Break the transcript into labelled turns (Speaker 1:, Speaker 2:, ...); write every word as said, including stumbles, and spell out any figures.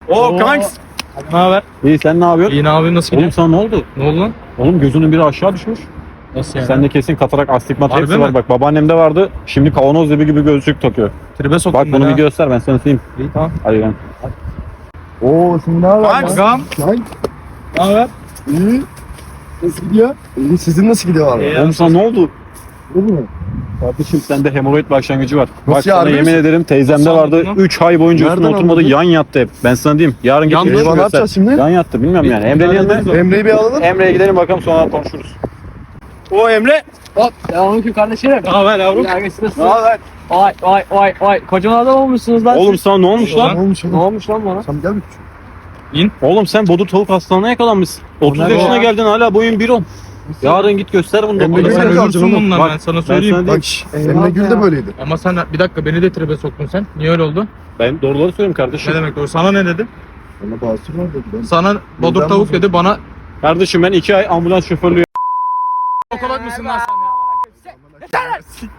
Speaker 1: Oo kanks.
Speaker 2: Ne haber?
Speaker 1: İyi, sen ne yapıyorsun?
Speaker 2: İyi, ne yapıyorsun? Nasıl
Speaker 1: Oğlum
Speaker 2: gidiyor?
Speaker 1: sana ne oldu?
Speaker 2: Ne oldu lan?
Speaker 1: Oğlum gözünün biri aşağı düşmüş.
Speaker 2: Nasıl yani?
Speaker 1: Sende kesin katarak, astigmat
Speaker 2: Harbi
Speaker 1: hepsi
Speaker 2: mi?
Speaker 1: var. Bak babaannemde vardı. Şimdi kavanoz gibi gibi gözlük takıyor.
Speaker 2: Tribe soktum
Speaker 1: Bak bunu
Speaker 2: ben
Speaker 1: bir
Speaker 2: ha.
Speaker 1: göster, ben sana söyleyeyim.
Speaker 2: İyi, tamam.
Speaker 1: Hadi gel.
Speaker 3: Oo şimdi ne haber
Speaker 2: Kanks.
Speaker 3: lan? Kanks.
Speaker 2: Ne haber?
Speaker 3: İyi. Nasıl gidiyor? İyi. Sizin nasıl gidiyor abi?
Speaker 2: İyi.
Speaker 1: Oğlum sana ne oldu?
Speaker 3: Bu mu?
Speaker 1: Kardeşim sende hemoroid başlangıcı var. Bak
Speaker 3: Nasıl ya,
Speaker 1: sana
Speaker 3: harbi
Speaker 1: yemin
Speaker 3: misin?
Speaker 1: ederim teyzemde
Speaker 2: Nasıl
Speaker 1: vardı.
Speaker 2: anladın lan?
Speaker 1: üç ay boyunca üstüne
Speaker 3: Nereden
Speaker 1: oturmadı,
Speaker 3: anladın?
Speaker 1: yan yattı hep. Ben sana diyeyim. Yarın git
Speaker 2: Yan
Speaker 1: gözünü
Speaker 3: Eyvah, ne
Speaker 1: göster.
Speaker 3: yapacağız şimdi?
Speaker 1: Yan yattı, bilmiyorum yani.
Speaker 2: Bir-
Speaker 1: Emre'nin
Speaker 2: bir-
Speaker 1: yanına.
Speaker 2: bir-
Speaker 3: Emre'yi bir alalım.
Speaker 1: Emre'ye gidelim bakalım, sonra konuşuruz. O Emre.
Speaker 4: Hop, selamünaleyküm kardeşlerim.
Speaker 2: Ne haber yavrum?
Speaker 4: Ya nasılsınız?
Speaker 1: Ne haber?
Speaker 4: Vay vay vay vay. Kocaman adam olmuşsunuz lan.
Speaker 1: Oğlum
Speaker 4: siz.
Speaker 1: sana ne olmuş
Speaker 2: Ulan.
Speaker 1: lan?
Speaker 3: Ne olmuş
Speaker 4: Ne
Speaker 3: oğlum?
Speaker 4: olmuş lan bana?
Speaker 3: Sen gel bir küçük.
Speaker 1: Oğlum sen bodur tavuk hastalığına yakalanmışsın. otuz
Speaker 4: ne
Speaker 1: yaşına
Speaker 4: ya?
Speaker 1: geldin, hala boyun bir on. Yarın git göster bunu
Speaker 3: Emre
Speaker 1: doktora.
Speaker 2: Sen
Speaker 3: Gül'e
Speaker 1: Sen
Speaker 2: ölürsün
Speaker 3: canım.
Speaker 2: bundan,
Speaker 1: Bak,
Speaker 2: ben sana
Speaker 1: ben
Speaker 2: söyleyeyim.
Speaker 1: sana
Speaker 3: Bak şş, Emre Gül de böyleydi.
Speaker 2: Ama sen bir dakika beni de tribe soktun sen. Niye öyle oldu?
Speaker 1: Ben doğruları söylüyorum kardeşim.
Speaker 2: Ne demek doğru? Sana ne dedi?
Speaker 3: Ona basur var dedi. Ben.
Speaker 2: Sana bodur
Speaker 3: Neden
Speaker 2: tavuk
Speaker 3: bozuldu?
Speaker 2: dedi, bana
Speaker 1: Kardeşim ben iki ay ambulans şoförlüğü
Speaker 2: okulak mısın lan sen?